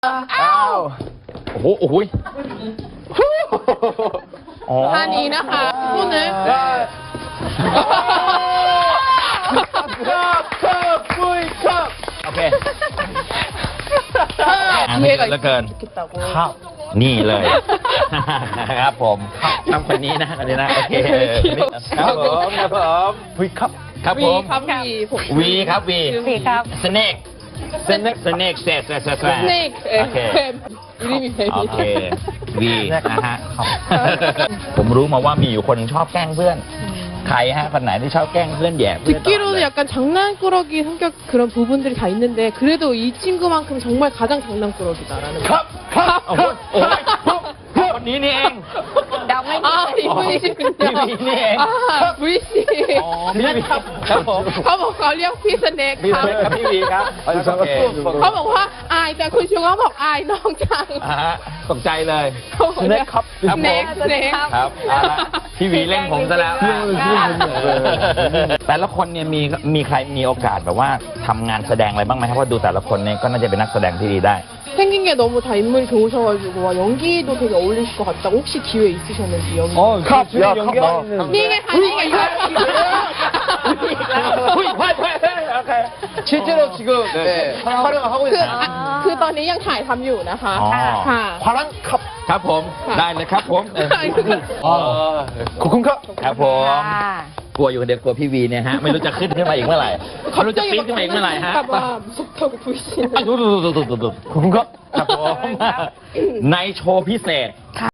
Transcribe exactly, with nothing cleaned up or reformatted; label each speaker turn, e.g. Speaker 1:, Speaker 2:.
Speaker 1: อ้าวโอ้โหโอ้โหอ๋อ
Speaker 2: ท่านี้นะคะพูดเลย
Speaker 1: ครับครับปุ้ยครับโอเคไม่เหลือเกินครับนี่เลยครับผมทำคนนี้นะคนนี้นะโอเคครับผมครับผมวีครับครับผม
Speaker 2: ครับวีผม
Speaker 1: วีครับวี
Speaker 3: วีครับ
Speaker 1: สเนกสเนกสเนกเซสเซสเซส
Speaker 2: สเนกเอ
Speaker 1: โอเค
Speaker 2: นี่มีเพลง
Speaker 1: โอเควีนะฮะผมรู้มาว่ามีอยู่คนชอบแกล้งเพื่อนใครฮะคนไหนที่ชอบแกล้งเพื่อนแย่เพื่อน
Speaker 2: 듣기로는 약간 장난꾸러기 성격 그런 부분들이 다 있는데 그래도 이 친구만큼 정말 가장 장난꾸러기다라는
Speaker 1: ครับครับโอ้โหโอ้โหคนนี้นี่เอง
Speaker 3: เดาไม่ผิด
Speaker 2: 아 이분이시군요.
Speaker 1: 비비네.
Speaker 2: 아 브이씨.
Speaker 1: อ๋อพี่วีครับครับผม
Speaker 2: เขาบอกเขาเรียกพี่สเนก
Speaker 1: พี่
Speaker 2: ครับ
Speaker 1: เล็กครับพี่วีครับโอเค
Speaker 2: เขาบอกว่าอายแต่คุณชูเขาบอกอายน้องจัง
Speaker 1: อ่าฮะตกใจเลย
Speaker 2: สเนกครับ
Speaker 1: ครับ
Speaker 2: สเนก
Speaker 1: ผม
Speaker 2: สเนก
Speaker 1: ครับเอาละพี่วีเล่นผมซะแล้วแต่ละคนเนี่ยมีมีใครมีโอกาสแบบว่าทำงานแสดงอะไรบ้างไหมครับเพราะดูแต่ละคนเนี่ยก็น่าจะเป็นนักแสดงที่ดีได้
Speaker 2: 생긴 게 너무 다 인물이 좋으셔가지고 와, 연기도 되게 어울리실 것 같다고 혹시 기회 있으셨는지 연기?
Speaker 4: 어, 컵, 야, 연기하는.
Speaker 2: 니가 가니까
Speaker 1: 후이, 후이, 후이. 오케이.
Speaker 4: 실제로 지금 네, 촬영을 하고
Speaker 2: คือ
Speaker 4: 있어요.
Speaker 2: อ่ะคือตอนนี้ยังถ่ายทำอยู่นะคะ
Speaker 1: อ๋อ
Speaker 2: ค่ะ
Speaker 4: 화랑 컵.
Speaker 1: ครับผมได้เลยครับผมเออ
Speaker 4: 아, 고쿤컵.
Speaker 1: ครับผม
Speaker 3: ค่ะ
Speaker 1: กลัวอยู่คนเดียวกลัวพี่วีเนี่ยฮะไม่รู้จะขึ้นขึ้นมาอีกเมื่อไหร่ไม่รู้จะปีนขึ้นมาอีกเมื่อไหร่ฮะ
Speaker 2: 봐 무섭다고 보이시는
Speaker 1: ขอบคุณครับครับผมในโชว์พิเศษ